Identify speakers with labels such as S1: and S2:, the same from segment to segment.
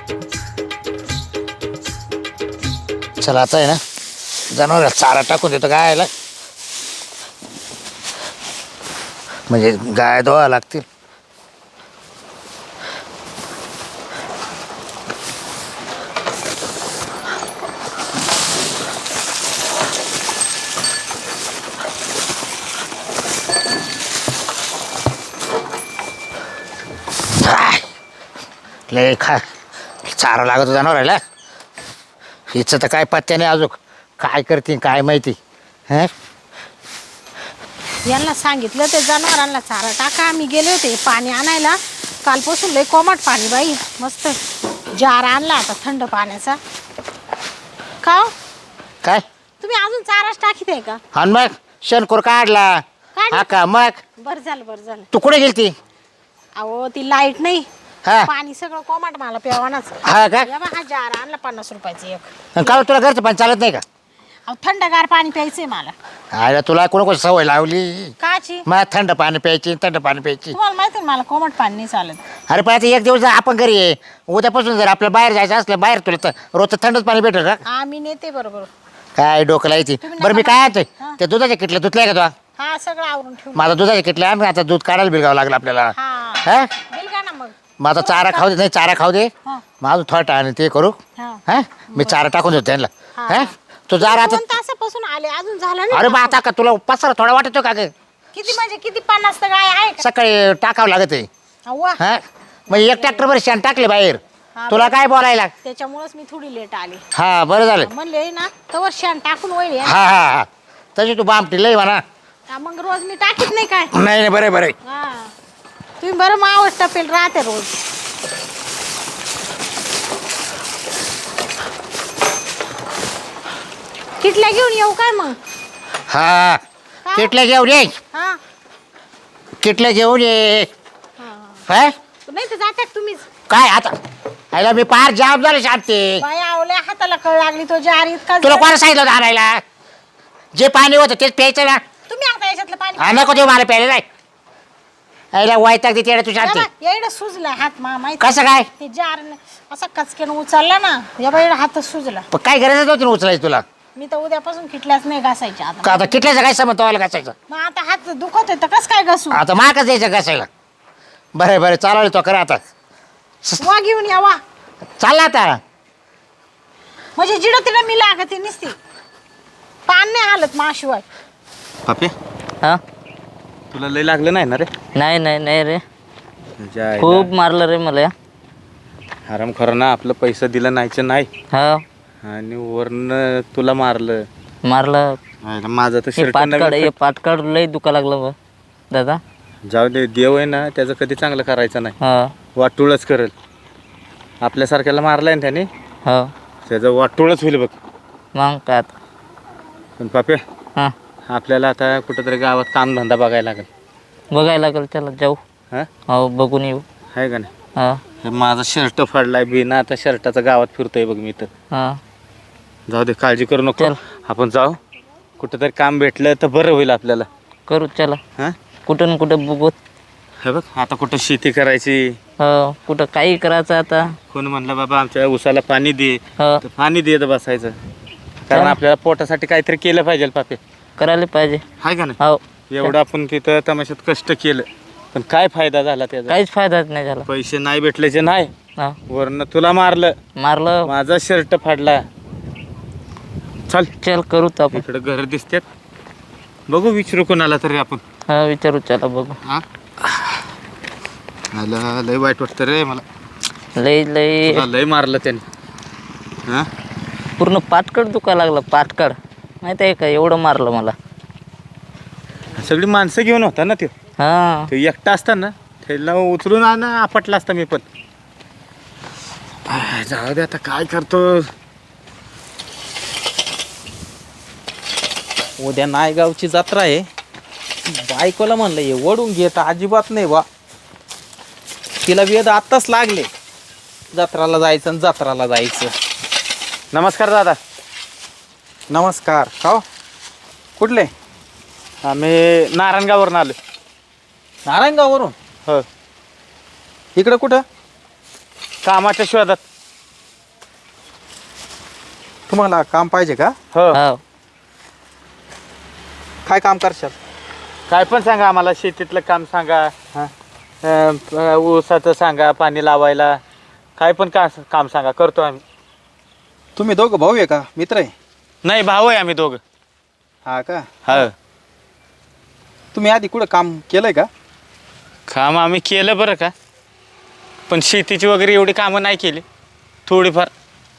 S1: चला आता आहे ना जनावर चारा टाकून देतो गायला म्हणजे गाय धुवा लागतील. लय चारा लागत जनावराला हिचं तर काय पत्त्या नाही अजून काय करते काय माहिती. हं
S2: यांना सांगितलं ते जनावरांना चारा टाका. आम्ही गेले होते पाणी आणायला कालपासून लय कोमट पाणी बाई. मस्त जार आणला आता थंड पाण्याचा. का हो?
S1: काय
S2: तुम्ही अजून चाराच टाकीत आहे का?
S1: हा मग शेणखोर काढला हा का मग.
S2: बरं झालं.
S1: तू कुठे गेलती?
S2: अहो ती लाईट नाही
S1: हा
S2: पाणी सगळं कोमट मला प्यावानाच.
S1: हा का
S2: हा जार आणला 50 रुपयाचं एक.
S1: का तुला घरचं पण चालत नाही का?
S2: अहो थंडगार पाणी प्यायचंय मला.
S1: अरे तुला कोण सवय लावली
S2: काची?
S1: मग थंड पाणी प्यायची
S2: तुम्हाला माहिती मला कोमट पाणी नाही चालत.
S1: अरे पण आता एक दिवस जर आपण घरी आहे उद्यापासून जर आपल्या बाहेर जायचं असलं बाहेर तुला रोजचं थंडच पाणी भेटेल का?
S2: आम्ही नेते बरोबर.
S1: काय डोकं लायची.
S2: तुम्ही
S1: बरं मी
S2: नका
S1: काय आहे
S2: हा.
S1: ते दुधाच्या किटल्या धुतल्या का तुला?
S2: हा सगळं आवरून ठेवून.
S1: माझा दुधाच्या किटल्या आम्ही आता दूध काढायला बिलगावं लागलं आपल्याला.
S2: हा
S1: हा
S2: बिल का ना मग.
S1: माझा चारा खाऊ दे नाही चारा खाऊ दे
S2: हा.
S1: माझं थोडा आणि ते करू.
S2: हा.
S1: हा मी चारा टाकून देतो त्यांना.
S2: हा.
S1: हा तू जा आता.
S2: 2 तासापासून आले अजून झालं नाही.
S1: अरे बा आता का तुला पसारा थोडा वाटतो का ग?
S2: किती म्हणजे किती 50 तर गाय आहे का?
S1: सकाळी टाकावं लागत आहे.
S2: अव्वा.
S1: हा मग एक ट्रॅक्टरभर शेण टाकले बाहेर.
S2: हा,
S1: तुला काय बोलायला?
S2: त्याच्यामुळेच मी थोडी लेट आली.
S1: हा बरं झालं.
S2: म्हणले ना तवर शेण टाकून होईल.
S1: हा हा हा तशी तू बामटी लय म्हणा.
S2: मग रोज मी टाकीत नाही काय.
S1: नाही बरं बरं.
S2: हा तुम्ही बरं मावस टपेल राहते रोज. किटल्या घेऊन येऊ काय मग?
S1: हा किटल्या घेऊन ये.
S2: हा
S1: किटल्या घेऊन ये.
S2: हा.
S1: हा
S2: नाही तर जातात तुम्हीच.
S1: काय आता आयला मी पार जाम झाले शांती.
S2: बाई आवल्या हाताला कळ लागली तो जार इतका.
S1: तुला कोणा सांगितलं होतं आणायला? जे पाणी होतं तेच प्यायचं ना.
S2: तुम्ही आता याच्यातलं पाणी.
S1: हा नको देऊ मला प्यायला नाही. आयला वायताक देते तू शांती.
S2: येडं सुजला हात माहिती.
S1: कसं काय?
S2: ते जार असा कचक्यानं उचलला ना या बाई हातच सुजला.
S1: पण काय गरजच नव्हती ना उचलायची तुला.
S2: मी तर उद्यापासून किटल्याच नाही घासायच्या आता.
S1: का आता किटल्याचं काय समज तवाला घासायचं?
S2: मग आता हात दुखत तर कस काय घासू?
S1: आता माकच द्यायचं घासायला. बरं बरं चालवलं तो करा आता.
S2: वा घेऊन या वा.
S1: चालला आता.
S2: म्हणजे जिडं तिला मी लागते निसती पान नाही हालत माशिवाय.
S3: पापे
S4: हा
S3: तुला लय लागलं नाही ना रे?
S4: नाही रे
S3: जायला.
S4: खूप मारलं रे मला.
S3: आराम खरं ना आपलं पैसा दिला नाहीच नाही
S4: हा
S3: आणि वरनं तुला मारलं.
S4: मारलं.
S3: आयला माझं तर
S4: हे
S3: शर्ट
S4: पाटकाड हे पाटकाड लय दुखा लागलं बा दादा.
S3: जाऊ दे देव आहे ना त्याचं कधी चांगलं करायचं नाही.
S4: हा
S3: वाटूळच करेल. आपल्यासारख्याला मारलाय ना त्याने
S4: हो
S3: त्याचं वाटूळच होईल बघ.
S4: मग काय आता.
S3: पण पापे
S4: हां
S3: आपल्याला आता कुठंतरी गावात कामधंदा बघायला लागेल.
S4: बघायला लागेल चला जाऊ.
S3: हां
S4: हो बघून येऊ.
S3: आहे का नाही?
S4: हा
S3: हे माझा शर्ट फाडलाय बिना आता शर्टाचा गावात फिरतोय बघ मी तर.
S4: हा
S3: जाऊ दे काळजी करू नको.
S4: चल.
S3: आपण जाऊ कुठंतरी काम भेटलं तर बरं होईल आपल्याला.
S4: करू चला.
S3: हां
S4: कुठं न कुठं बघू.
S3: हे बघ आता कुठं शेती करायची.
S4: हो कुठं काही करायचं आता.
S3: कोण म्हणलं बाबा आमच्या उसाला पाणी दे
S4: हो
S3: तर पाणी देत बसायचं. कारण आपल्याला पोटासाठी काहीतरी केलं पाहिजे पापे.
S4: करायला पाहिजे.
S3: आहे का नाही?
S4: हो
S3: एवढं आपण तिथं तमाशात कष्ट केलं पण काय फायदा झाला त्याचा?
S4: काहीच फायदाच नाही झाला.
S3: पैसे नाही भेटल्याचे नाही
S4: हा
S3: वरनं तुला मारलं.
S4: मारलं.
S3: माझा शर्ट फाडला. चल
S4: चल करू तर आपण.
S3: इकडं घर दिसतात बघू विचारू कोणाला तरी आपण.
S4: हा विचारू चला बघू.
S3: हा मला लय वाईट वाटतं रे मला.
S4: लय लय
S3: तुला लय मारलं त्याने. हा
S4: पूर्ण पाटकड दुखा लागलं पाटकड माहिती आहे का एवढं मारलं मला.
S3: सगळी माणसं घेऊन होता ना त्यो.
S4: हा
S3: ते एकटा असताना त्याला उचलून आण आपटला असता मी पण. जाऊ दे आता काय करतो. उद्या नायगावची जत्रा आहे. बायकोला म्हणलं हे वडून घेत अजिबात नाही बा. तिला वेद आत्ताच लागले जत्राला जायचं आणि जत्राला जायचं. नमस्कार दादा.
S5: नमस्कार. हो कुठले?
S3: आम्ही नारायणगाववरून आलो.
S5: नारायणगाववरून?
S3: हो
S5: इकडं कुठं?
S3: कामाच्या शोधात.
S5: तुम्हाला काम पाहिजे का?
S3: हो
S4: हो
S5: काय काम करशाल?
S3: काय पण सांगा आम्हाला, शेतीतलं काम सांगा, ऊसाचं सांगा, पाणी लावायला, काय पण काम सांगा, करतो आम्ही.
S5: तुम्ही दोघं भाऊ आहे का मित्र आहे?
S3: नाही, भाऊ आहे आम्ही दोघं.
S5: हा का?
S3: हो.
S5: तुम्ही आधी कुठं काम केलंय का?
S3: काम आम्ही केलं बरं का, पण शेतीची वगैरे एवढी कामं नाही केली, थोडीफार.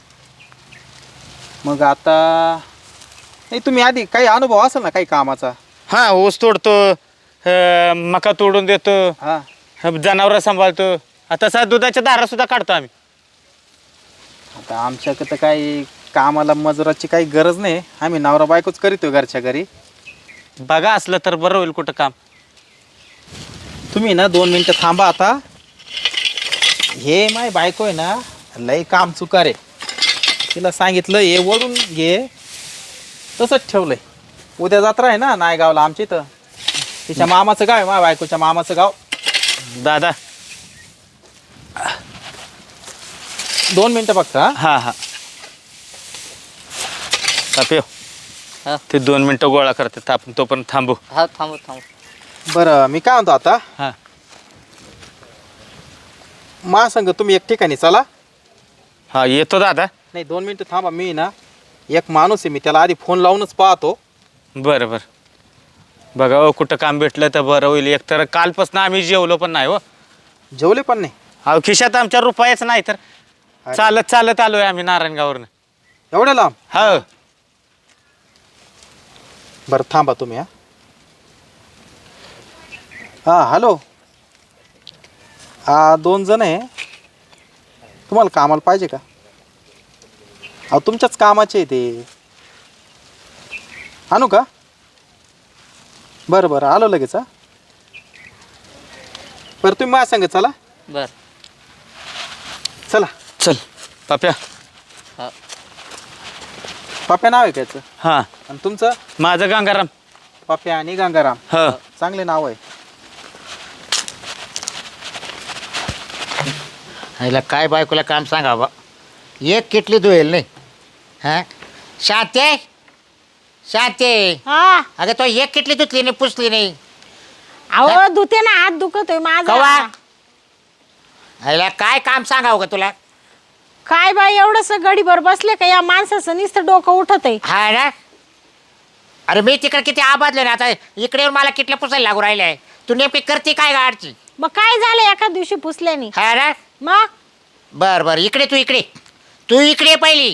S5: मग आता नाही, तुम्ही आधी काही अनुभव असेल ना काही कामाचा?
S3: हां, ऊस तोडतो, मका तोडून देतो,
S5: हा.
S3: जनावरं सांभाळतो, तसा दुधाच्या दारा सुद्धा काढतो आम्ही.
S5: आता आमच्याकडं काही कामाला मजुराची काही गरज नाही, आम्ही नवरा बायकोच करीतो घरच्या घरी.
S3: बघा असलं तर बरं होईल कुठं काम.
S5: तुम्ही ना 2 मिनटं थांबा आता. हे माय बायको आहे ना, लय काम चुकार आहे. तिला सांगितलं हे ओढून घे, तसंच ठेवलंय. उद्या जत्रा आहे ना नायगावला आमच्या इथं, तिच्या मामाचं गाव आहे, माझ्या बायकोच्या मामाचं गाव.
S3: दादा.
S5: 2 मिनटं फक्त. हा.
S3: हां हां ताप्यो,
S4: हा.
S3: ते 2 मिनटं गोळा करतात, आपण तोपर्यंत थांबू.
S4: हा थांबू थांबू.
S5: बरं मी काय म्हणतो आता,
S3: हां
S5: महासंघ तुम्ही एक ठिकाणी चला.
S3: हां, येतो दादा.
S5: नाही 2 मिनटं थांबा. मी ना एक माणूस आहे, मी त्याला आधी फोन लावूनच पाहतो.
S3: बरं बरं, बघा हो कुठं काम भेटलं तर बरं होईल. एकतर कालपासून आम्ही जेवलो पण नाही हो.
S5: जेवले पण नाही?
S3: अहो, खिशात आमच्या रुपयाच नाही तर
S5: अरे.
S3: चालत चालत आलोय आम्ही नारायणगाववरनं.
S5: एवढ्या लांब?
S3: हो.
S5: बरं थांबा तुम्ही. हां हॅलो. 2 जण आहे, तुम्हाला कामाला पाहिजे का? अहो तुमच्याच कामाचे आहे ते. आणू का? बरं बरं आलो लगेच. हा बरं तुम्ही माझ्या सांगा चला.
S4: बर.
S5: चला.
S3: चल पाप्या.
S4: हा.
S5: पाप्या नाव आहे का याचं?
S3: हां,
S5: आणि तुमचं?
S3: माझं गंगाराम.
S5: पाप्या आणि गंगाराम.
S3: हो.
S5: चांगले नाव आहे.
S1: ह्याला काय बायकोला काम सांगा बा, एक किटली धुईल नाही. हां शांते, शांते,
S2: हा
S1: अगं तो एक किटली धुतली नाही, पुसली नाही.
S2: अहो धुते ना, हात दुखतोय माझा.
S1: कवा ह्याला काय काम सांगावं का तुला?
S2: काय बाई एवढंस गडीभर बसले का या माणसाचं नुसतं डोकं उठत आहे.
S1: हा ना. अरे मी तिकडे किती आबादले ना, आता इकडे येऊन मला किटल्या पुसायला लागू राहिले आहे. तू नेमकी करते काय गाडची?
S2: मग काय झालं एका दिवशी पुसल्याने?
S1: हा ना.
S2: मग
S1: बर बर, इकडे तू इकडे, तू इकडे पहिली.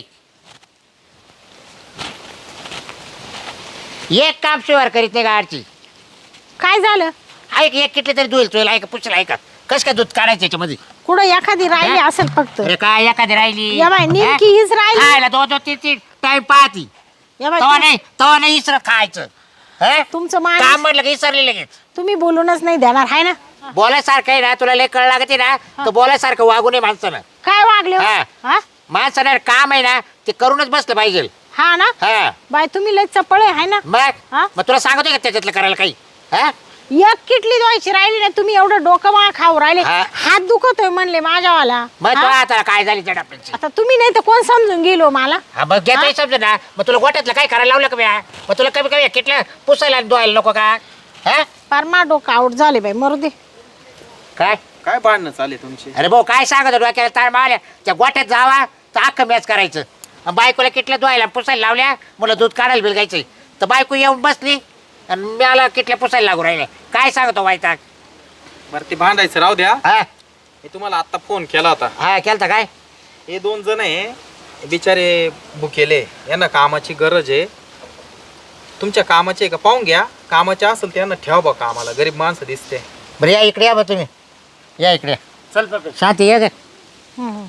S1: एक काम शिवार करीत नाही गाडची.
S2: काय झालं?
S1: ऐक, एक किटली तरी धुईल तुला, ऐका पुसला, ऐका कसं काय दूध काढायचं याच्यामध्ये?
S2: कुठं एखादी राहिली असेल फक्त.
S1: अरे काय एखादी राहिली?
S2: या बाई नेमकी हीच राहिली.
S1: खायला 2-2-3-3 टाइम पाहती.
S2: या बाई
S1: तवा नाही इसर खायचं. हं?
S2: तुमचं
S1: काम
S2: मान
S1: म्हटलं की इसरले लगेच.
S2: तुम्ही बोलूनच नाही देणार आहे ना.
S1: बोलायसारखं आहे ना, तुला लय कळ लागते ना, तर बोलायसारखं वागू नये माणसानं.
S2: काय वागले हो?
S1: हा.
S2: हा?
S1: माणसानं काम आहे ना ते करूनच बसलं पाहिजे.
S2: हा ना.
S1: हा
S2: बाई तुम्ही लय चपळे आहे ना.
S1: मग
S2: हा?
S1: मग तुला सांगतोय का त्याच्यातलं करायला काही? हा?
S2: एक किटली धुवायची राहिली ना, तुम्ही एवढं डोकं मा खाऊ राहिले.
S1: हा.
S2: हात दुखतोय म्हणले माझ्यावाला.
S1: मग
S2: हा?
S1: तुला आता काय झाली त्या डब्याची?
S2: आता तुम्ही नाही तर कोण समजून गेलो मला.
S1: हा मग घेतोय समजा ना. मग तुला गोट्यातलं काय करायला लावलं का म्या? मग तुला कमी कमी किटलं पुसायला आणि धुवायला नको का? हा
S2: परमा डोकं आउट झाले बाई, मरू दे.
S1: काय?
S5: काय भांडणं चालले तुमची?
S1: अरे भाऊ काय सांगत डोक्याला ताण मारल्या, त्या गोट्यात जावा तर अख्खं मॅच करायचं. आणि बायकोला किटल्या धुवायला पुसायला लावल्या, मला दूध काढायला बिलगायचं. तर बायको येऊन बसली आणि मला किटल्या पुसायला लागू राहिल्या. काय सांगतो वायताक?
S5: बरं ते भांडायचं राहू द्या.
S1: हा
S5: मी तुम्हाला आता फोन केला होता.
S1: हा केलता काय?
S5: हे 2 जण आहे, हे बिचारे भुकेले, यांना कामाची गरज आहे. तुमच्या कामाचे का पाहून घ्या, कामाचे असेल तर यांना ठेवा बा कामाला. गरीब माणसं दिसते.
S1: बरं या इकडे या बा तुम्ही, या इकडे.
S3: चल पाप्या.
S1: शांती ये ग.
S2: हम्म.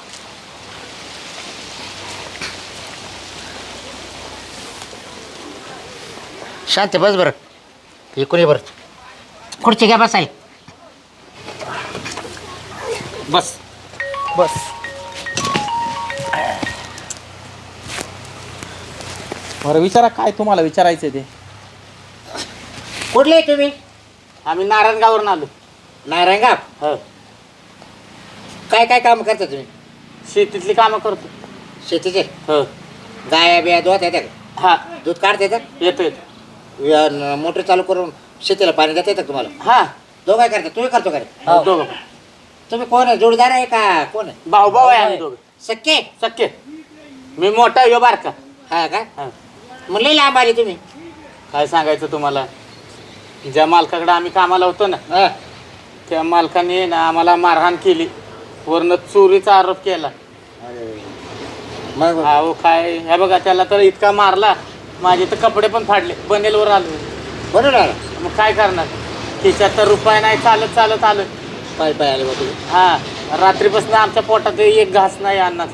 S1: शांती बस बरं. इकडे बरं, खुर्ची घ्या बसायला.
S3: बस.
S5: बस. बरं विचारा काय तुम्हाला विचारायचं ते.
S1: कुठले आहे तुम्ही?
S3: आम्ही नारायणगाववरून आलो.
S1: नारायणगाव.
S3: हो.
S1: काय काय काम करता तुम्ही?
S3: शेतीतली कामं करतो.
S1: शेतीचे.
S3: हो.
S1: गाया बिया धुवत येते का?
S5: हा
S1: दूध काढता येतं?
S5: येतो येतो.
S1: मोटर चालू करून शेतीला पाणी देता येतं का तुम्हाला?
S5: हा
S1: दोघं काय करता? तुम्ही करतो का रे?
S5: दोघं
S1: तुम्ही कोण आहे? जोडीदार आहे का कोण आहे?
S5: भाऊ भाऊ आहे आम्ही दोघं
S1: सख्खे?
S5: शक्य. मी मोठा यो बारका.
S1: हा का?
S5: हा.
S1: मग लई लांब आली तुम्ही.
S5: काय सांगायचं तुम्हाला, ज्या मालकाकडे आम्ही कामाला होतो ना
S1: हा.
S5: त्या मालकाने ना आम्हाला मारहाण केली, वरनं चोरीचा आरोप केला.
S1: मग
S5: अहो काय हे बघा, त्याला तर इतका मारला, माझे तर कपडे पण फाडले, बनेलवर आलो.
S1: बरोबर आला.
S5: मग काय करणार, खिशात तर रुपये नाही, चालत चालत आलं.
S1: पाय पाय आले बा तुम्ही.
S5: हा रात्रीपासून आमच्या पोटात एक घास नाही अन्नाचा.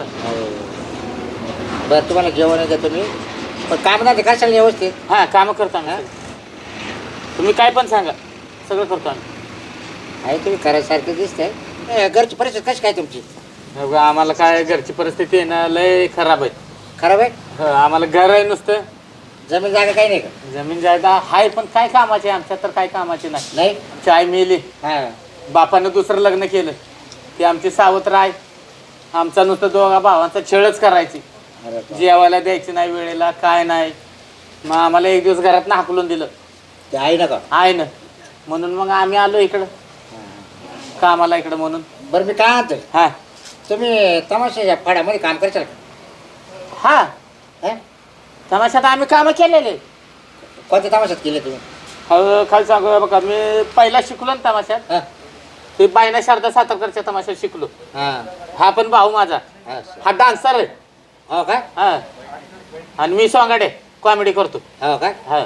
S1: बरं तुम्हाला जेवण देतो मी, पण काम नाही कशाला व्यवस्थित?
S5: हा कामं करतो आम्ही. तुम्ही काय पण सांगा, सगळं करतो आम्ही.
S1: आहे तुम्ही करायसारखं दिसतंय. घरची परिस्थिती कशी काय तुमची?
S5: हे बघा, आम्हाला काय घरची परिस्थिती आहे ना लय खराब आहे.
S1: खराब आहे?
S5: हो, आम्हाला घर आहे नुसतं,
S1: जमीन जागा काही नाही का?
S5: जमीन जायदा आहे पण काय कामाचे आमच्या, तर काय कामाचे नाही.
S1: नाही.
S5: आमची आई मेली,
S1: हा.
S5: बापानं दुसरं लग्न केलं, ती आमची सावत्र आहे. आमचा नुसतं दोघा भावांचा छळच करायची,
S1: अरे बाप.
S5: जेवायला द्यायची नाही वेळेला, काय नाही. मग आम्हाला एक दिवस घरात हाकलून दिलं
S1: ते आहे ना का?
S5: आहे ना, म्हणून मग आम्ही आलो इकडं कामाला इकडं म्हणून.
S1: बरं मी काय म्हणतोय,
S5: हा
S1: तुम्ही तमाशाच्या फाड्यामध्ये काम करशाल का?
S5: हा
S1: हा?
S5: तमाशात आम्ही कामं केलेले.
S1: कोणत्या तमाशात केले तुम्ही?
S5: खाली सांगू बघा, मी पहिला शिकलो ना तमाशात,
S1: हा.
S5: ते बायना शारदा सातारकरच्या तमाशात शिकलो.
S1: हा.
S5: हा पण भाऊ माझा,
S1: हा.
S5: हा डान्सर आहे.
S1: हो का?
S5: हा आणि मी सोंगाडे कॉमेडी करतो.
S1: हो का?
S5: हा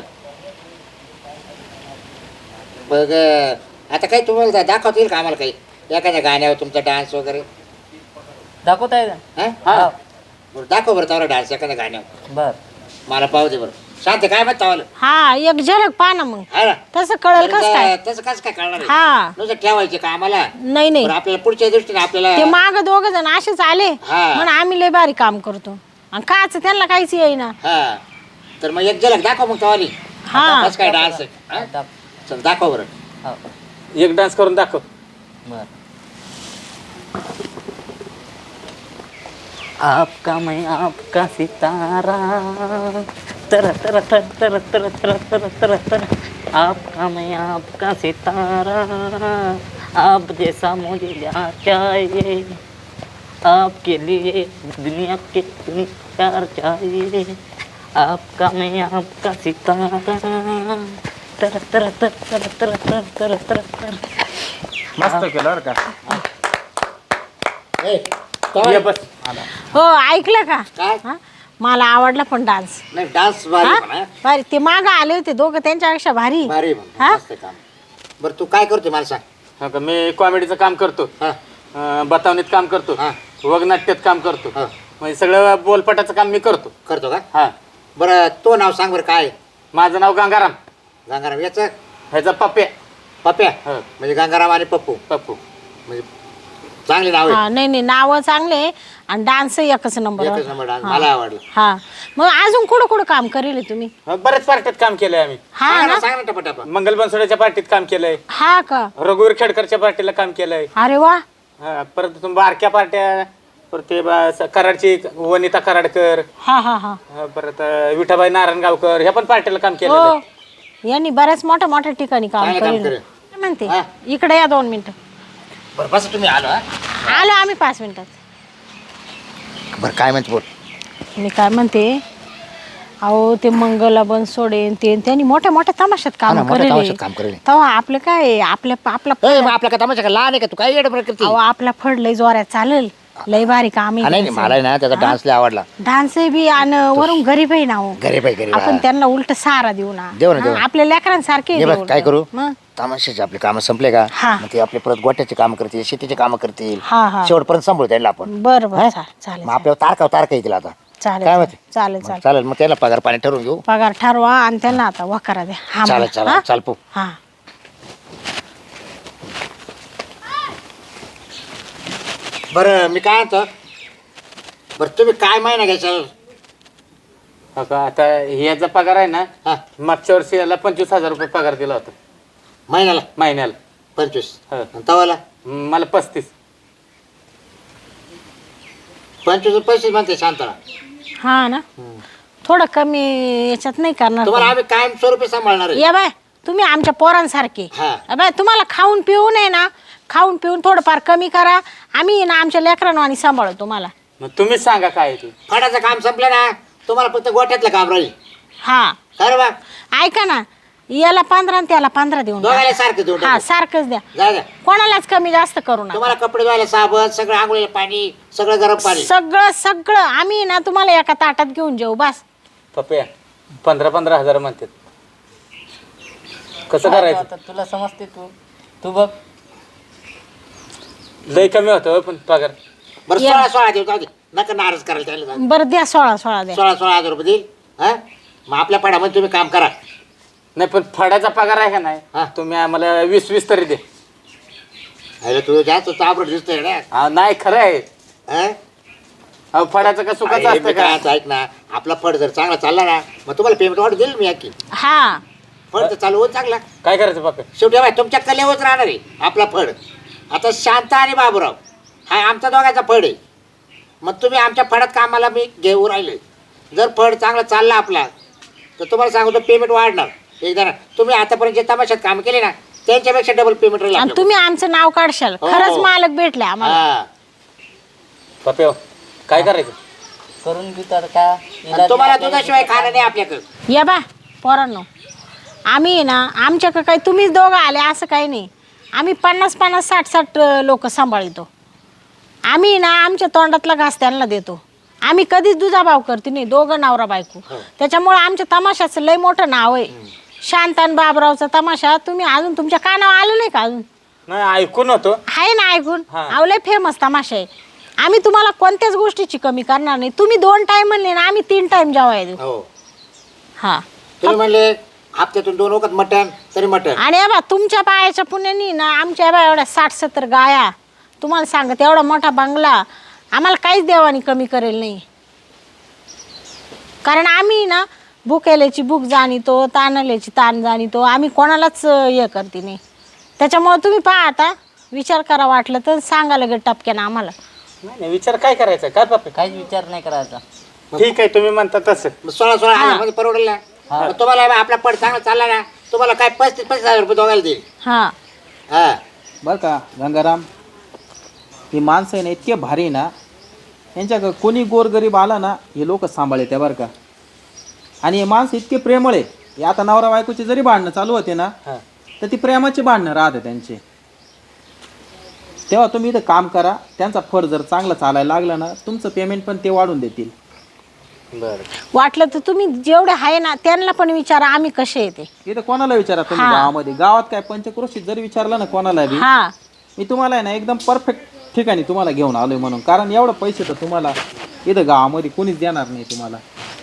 S1: बघ आता काही तुम्हाला दाखवता येईल का आम्हाला काही एखाद्या गाण्यावर तुमचा डान्स वगैरे?
S4: दाखवता येईल
S1: हा?
S5: हा
S1: बरं दाखव बरं तवला डान्स एखाद्या गाण्यावर.
S4: बर.
S1: मला पाहू दे बरं. शांत काय म्हणता मला?
S2: हा एक झलक पहा ना मग,
S1: हा ना?
S2: तसं कळेल कस काय.
S1: तसं कसं काय कळणार आहे?
S2: हा
S1: नुसतं ठेवायचे का आम्हाला?
S2: नाही नाही,
S1: बरं आपल्याला पुढच्या दृष्टीने
S2: ते
S1: आपल्याला
S2: माग दोघ जण असेच आले
S1: हा.
S2: म्हणून आम्ही लय भारी काम करतो, आणि काच त्यांना काहीच येईना.
S1: हा तर मग एक झलक दाखव मग तवाली.
S2: हा.
S1: कसं काय डान्स आहे? हा? चल दाखव बरं.
S4: हो.
S5: एक डान्स करून दाखव.
S4: बर. आपका मैं आपका सितारा, तर तर तर तर तर तर तर तर तर, आपका मैं आपका सितारा, आप जैसा मुझे क्या चाहिए, आपके लिए दुनिया के दुनिया प्यार चाहिए, आपका मैं आपका सितारा, तर तर तर तर तर तर तर तर तर.
S5: मस्त केलं बरं का.
S1: ए,
S5: ये
S1: तवाली.
S5: बस.
S2: हो ऐकलं का?
S1: काय?
S2: हा? मला आवडला पण डान्स.
S1: नाही डान्स भारी
S2: हा?
S1: पण, हा?
S2: भारी. ते माग आले होते दोघं, त्यांच्यापेक्षा भारी.
S1: भारी पण.
S2: हा?
S1: मस्त काम. बरं तू काय करतोय मला सांग?
S5: हा का, मी कॉमेडीचं काम करतो,
S1: हा.
S5: बतावणीत काम करतो,
S1: हा.
S5: वगनाट्यात काम करतो,
S1: हा.
S5: म्हणजे सगळं बोलपटाचं काम मी करतो.
S1: करतो का?
S5: हा
S1: बरं तो नाव सांग बरं काय?
S5: माझं नाव गंगाराम,
S1: गंगाराम याचं?
S5: ह्याचा पप्प्या.
S1: पप्प्या?
S5: हो.
S1: म्हणजे गंगाराम आणि पप्पू
S5: पप्पू.
S1: म्हणजे चांगले नाव आहे.
S2: हा नाही नाही, नाव चांगले आणि डान्स एकच नंबर.
S1: एकच नंबर डान्स मला आवडलं.
S2: हा मग अजून कुठं कुठं काम करेल तुम्ही?
S5: बरेच पार्टीत काम केलंय आम्ही.
S2: हा
S1: सांग
S2: ना.
S1: ना, सांग ना टपाटपा.
S5: मंगल बनसोड्याच्या पार्टीत काम केलंय,
S2: हा का?
S5: रघुवीर खेडकरच्या पार्टीला काम केलंय.
S2: अरे वा.
S5: हा, परत तुम्ही बारक्या पार्ट्या, परत ते कराडची वनिता कराडकर,
S2: हा हा हा.
S5: परत विठाबाई नारायणगावकर, ह्या पण पार्टीला काम केलेलं
S2: हो
S5: आहे.
S2: यांनी बऱ्याच मोठ्या मोठ्या ठिकाणी काम
S1: चांगलं काम
S2: करेल.
S1: करेल.
S2: काय म्हणते
S1: हा.
S2: इकडे या 2 मिनिटं.
S1: बरं बस तुम्ही आलो. हा?
S2: आलो आम्ही 5 मिनिटात.
S1: बरं काय म्हणते बोल.
S2: मी काय म्हणते, अहो ते मंगला बनसोडे ते त्यांनी मोठ्या मोठ्या तमाशात
S1: हा ना,
S2: काम
S1: मोठ्या
S2: करेल.
S1: तमाशात काम करेल.
S2: तेव्हा आपलं काय आपल्या आपला
S1: ए, मग आपल्या का तमाशा का लहान आहे का? तू काय येडं करते?
S2: अहो आपला फड लय जोरात चालेल, लय भारी काम
S1: हा, नाही नाही, मला आहे ना त्याचा डान्स लय आवडला.
S2: डान्स बी आणि वरून गरीब आहे ना हो.
S1: गरीब आहे गरीब.
S2: आपण
S1: हा.
S2: त्यांना उलट सहारा देऊ ना.
S1: देऊ ना, देऊ ना.
S2: आपल्या लेकरांसारखे
S1: हे बघ काय करू,
S2: मग
S1: तमाशाचे आपले कामं संपले का
S2: हा.
S1: मग ते आपले परत गोट्याचे काम करतील, शेतीचे काम करतील,
S2: हा हा
S1: शेवटपर्यंत सांभाळू त्याला आपण.
S2: बरं बरं
S1: हा?
S2: चालेल
S1: मग आपल्याला तारखा येतील आता.
S2: चालेल
S1: काय माहिती?
S2: चालेल
S1: मग
S2: चालेल.
S1: चालेल, मग त्याला पगार पाणी ठरवून घेऊ.
S2: पगार ठरवा आणि त्यांना आता वकारा द्या. हा
S1: चालेल
S2: म्हणा.
S1: चालेल
S2: हा?
S1: चाल पू.
S2: हा
S1: बरं मी काय म्हणतो, बरं तुम्ही काय महिना घ्यायचं?
S5: हो का, आता ह्याचा पगार आहे ना,
S1: हा
S5: मागच्या वर्षी याला 25,000 रुपये पगार दिला होता
S1: महिन्याला
S5: महिन्याला.
S1: 25
S5: हो.
S1: आणि तवाला
S5: मला 35.
S1: 25 पैसे म्हणते शांतरा.
S2: हा ना थोडं कमी याच्यात नाही करणार
S1: तुम्हाला
S2: का?
S1: आम्ही कायम स्वरूपी सांभाळणार आहे.
S2: या बाय तुम्ही आमच्या पोरांसारखे
S1: हा.
S2: बाय तुम्हाला खाऊन पिऊन आहे ना खाऊन पिऊन थोडंफार कमी करा आम्ही ना आमच्या लेकरांवानी सांभाळू तुम्हाला.
S3: मग तुम्हीच सांगा काय आहे ते.
S1: फडाचं काम संपलं ना तुम्हाला फक्त गोठ्यातलं काम राहील.
S2: हा
S1: खरं बा
S2: ऐका ना याला 15 आणि त्याला 15 देऊन टाका.
S1: दोघायला सारखं देऊन
S2: हा
S1: टाकू.
S2: सारखंच द्या
S1: जा जा.
S2: कोणालाच कमी जास्त करू नका.
S1: तुम्हाला कपडे धुवायला साबण सगळं आंघोळीला पाणी सगळं गरम पाणी.
S2: सगळं सगळं आम्ही ना तुम्हाला एका ताटात घेऊन जाऊ बस.
S3: पप्या 15,000 म्हणतात कसं करायचं.
S4: आता तुला समजते तू बघ.
S3: लय कमी होतं पण पगार.
S1: बरं 16 देऊ जाऊ दे. नका नाराज करायला त्याला जाऊ दे.
S2: बरं द्या 16 द्या.
S1: 16,000 रुपये देईल. हा मग आपल्या पडामध्ये तुम्ही काम करा.
S3: नाही पण फडाचा पगार आहे का
S1: हा.
S3: नाही तुम्ही आम्हाला 20 तरी दे.
S1: अरे तू जास्त चाबरट दिसतोय ना.
S3: हा, नाही खरं आहे.
S1: हा?
S3: अहो, फडाचं का सुखाचं
S1: अरे,
S3: असतं
S1: मी
S3: का.
S1: काय असं ऐक ना आपला फड जर चांगला चालला ना मग तुम्हाला पेमेंट वाढ देईल मी आणखी.
S2: हा
S1: फड तर चालू होत चांगला.
S3: काय करायचं पप्या.
S1: शेवटी बाय तुमच्या कलेवरच राहणार आहे आपला फड. आता शांता आणि बाबूराव हा आमचा दोघांचा फड आहे. मग तुम्ही आमच्या फडात कामाला मी घेऊ राहिले. जर फड चांगला चालला आपला तर तुम्हाला सांगतो पेमेंट वाढणार. एकदा ना तुम्ही आतापर्यंत जे तमाशात काम केले ना त्यांच्यापेक्षा डबल पेमेंट राहील
S2: आणि
S1: आपल्याकडे.
S2: तुम्ही आमचं नाव काढशाल
S1: हो.
S2: खरंच मालक भेटले आम्हाला.
S1: हा.
S3: पप्या काय करायचं.
S4: करून घेऊ तर का
S1: आणि तुम्हाला दुधाशिवाय खाणं नाही आपल्याकडं.
S2: या बा पोरांनो आम्ही ना आमच्याकडे काही तुम्हीच दोघं आले असं काही नाही. आम्ही 50 60 लोक सांभाळतो. आम्ही ना आमच्या तोंडातला घास त्यांना देतो. आम्ही कधीच दुजाभाव करते नाही दोघं नवरा बायको. त्याच्यामुळे आमच्या तमाशाचं लय मोठं नाव आहे. शांतान बाबरावचा तमाशा तुम्ही अजून तुमच्या कानावर आलं नाही का अजून.
S3: नाही ऐकून होतो.
S2: आहे ना ऐकून
S3: हा.
S2: अहो लय फेमस तमाशा आहे. आम्ही तुम्हाला कोणत्याच गोष्टीची कमी करणार नाही. तुम्ही 2 टाइम म्हणले ना आम्ही 3 टाइम जेवाय देऊ.
S1: हो
S2: हा
S1: तुम्ही म्हणले हप्त्यातून 2 वखत मटण तरी मटण.
S2: आणि बा तुमच्या पायाच्या पुण्यानी ना आमच्या बा एवढ्या 60-70 गाया तुम्हाला सांगत एवढा मोठा बंगला आम्हाला काहीच देवानी कमी करेल नाही. कारण आम्ही ना भुकेल्याची भूक जाणीतो ताणल्याची ताण जाणीतो. आम्ही कोणालाच हे करते नाही. त्याच्यामुळे तुम्ही पहा आता विचार करा वाटलं तर सांगा लगेच टपक्यानं आम्हाला.
S3: नाही विचार काय करायचा काय पप्या.
S4: काहीच विचार नाही करायचा.
S3: ठीक आहे तुम्ही म्हणता तसं.
S1: 16,000 मध्ये परवडेल ना. मग तुम्हाला आपला पड चांगला चालला ना तुम्हाला काय 35,000 रुपये दोघायला देईल.
S2: हा
S1: हा
S5: बरं का गंगाराम ही माणसं आहे ना इतके भारी आहे ना यांच्या कोणी गोरगरीब आला ना हे लोक सांभाळे त्या बरं का. आणि हे माणसं इतके प्रेमळ आहे. हे आता नवरा बायकोची जरी भांडणं चालू होते ना तर ती प्रेमाची भांडणं राहते त्यांचे. तेव्हा तुम्ही इथं काम करा. त्यांचा फड जर चांगला चालायला लागला ना तुमचं पेमेंट पण ते वाढून देतील.
S3: बरं
S2: वाटलं तर तुम्ही जेवढे आहे ना त्यांना पण विचारा आम्ही कसे येते.
S5: इथं कोणाला विचारा तुम्ही
S2: हा.
S5: गावामध्ये गावात काय पंचक्रोशीत जरी विचारलं ना कोणाला बी
S2: हा
S5: मी तुम्हाला आहे ना एकदम परफेक्ट ठिकाणी तुम्हाला घेऊन आलोय म्हणून. कारण एवढं पैसे तर तुम्हाला इथं गावामध्ये कोणीच देणार नाही तुम्हाला.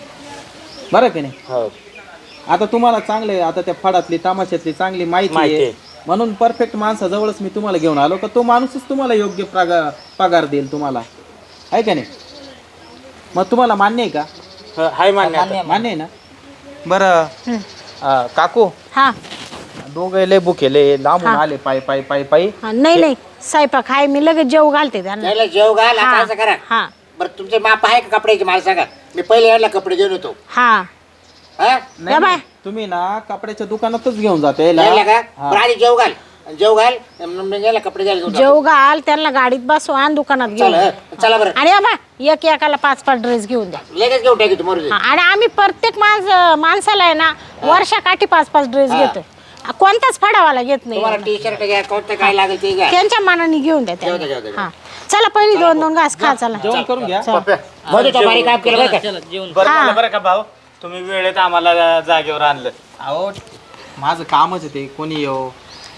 S5: बरं की नाही.
S3: हो
S5: आता तुम्हाला चांगले आता त्या फडातली तमाशातली चांगली माहिती
S3: माहिती
S5: आहे
S3: आहे.
S5: म्हणून परफेक्ट माणसाजवळच मी तुम्हाला घेऊन आलो का तो माणूसच तुम्हाला योग्य पगार देईल तुम्हाला. आहे का नाही. मग तुम्हाला मान्य आहे का.
S3: हाय मान्य आता.
S5: मान्य आहे ना. बरं काकू
S2: हा
S5: दोघं लय बुकेले लांबून
S2: हा.
S5: आले पायी पायी पायी पायी.
S2: हा, नाही नाही स्वयंपाक आहे मी लगेच जेव घालते त्यांना.
S1: त्याला जेव घाल आता
S2: हा,
S1: असं करा.
S2: हा
S1: बरं तुमचे माप आहे का कपड्याचे मला सांगा. मी पहिले यायला कपडे घेऊन येतो.
S2: हा
S1: हा
S5: नाही,
S2: या बाय.
S5: तुम्ही ना कपड्याच्या दुकानातच घेऊन जाते
S1: यायला का बरं आधी जेव घाल जेव घाल मग यायला कपडे द्यायला घेऊन जातो.
S2: जेव घाल त्यांना गाडीत बसवा आणि दुकानात घेऊन
S1: चला
S2: या.
S1: चला बरं
S2: आणि बा एक एकाला 5-5 ड्रेस घेऊन द्या.
S1: लगेच घेऊन टाकी तुम्हाला.
S2: हा, आणि आम्ही प्रत्येक माणसाला आहे ना वर्षाकाठी 5-5 ड्रेस
S1: हा.
S2: घेतो. कोणताच फडावाला घेत नाही.
S1: तुम्हाला टी शर्ट घ्या कोणतं काय लागेल ते घ्या.
S2: त्यांच्या मनाने घेऊन द्या
S1: जाऊ
S2: त्यांना.
S1: दे.
S2: हा चला पहिली 2-2 घास खा चला.
S5: जेवण करून घ्या.
S1: मध्ये तो बारीक काम केलं बरं का.
S4: चला जेवण.
S3: बरं
S2: हा.
S3: झालं बरं का भाऊ तुम्ही वेळेत आम्हाला जागेवर आणलं.
S5: अहो माझं कामच आहे ते कोणी येऊ.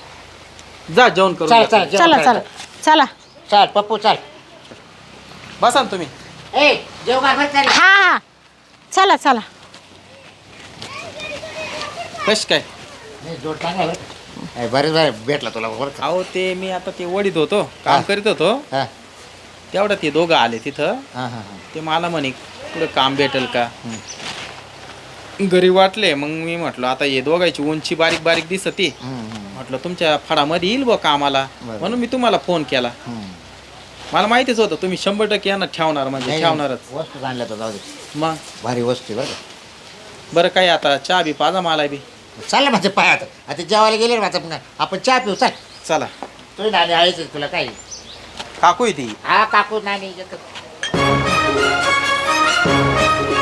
S5: जा जेवण करून
S1: चल
S5: घ्या.
S1: चल
S2: चला चला चला
S1: चल पप्पू चल.
S5: बसा ना तुम्ही.
S1: ए जेव घाल बरं चल.
S2: हा हा चला चला.
S5: कश काय
S1: नाही, जोड चांगला आहे बरं. ए, बरं भेटला तुला बरं का.
S5: अहो ते मी आता ते वडीत होतो काम करीत होतो
S1: हा
S5: तेवढ्या ते दोघं आले तिथं.
S1: हा हा
S5: ते मला म्हणे पुढे काम भेटेल का. घरी वाटले मग मी म्हटलं आता हे दोघांची उंची बारीक बारीक दिसती. म्हटलं तुमच्या फडामध्ये येईल बा कामाला
S1: बरं.
S5: म्हणून मी तुम्हाला फोन केला. मला माहितीच होतं तुम्ही 100% यांना ठेवणार म्हणजे
S1: नाही,
S5: ठेवणारच.
S1: वस्तू आणल्या तर जाऊ दे.
S5: मग
S1: भारी वस्तू आहे बरं का.
S5: बरं काय आता चहा बी पाजा मला बी.
S1: चाललं माझं पाय आता जेवायला गेले ना माझं आपण चहा पिऊ चाल.
S5: चला
S1: तुझी नाणी आहेच तुला काय.
S5: काकू आहे ती.
S1: हा काकू नाणी येतात.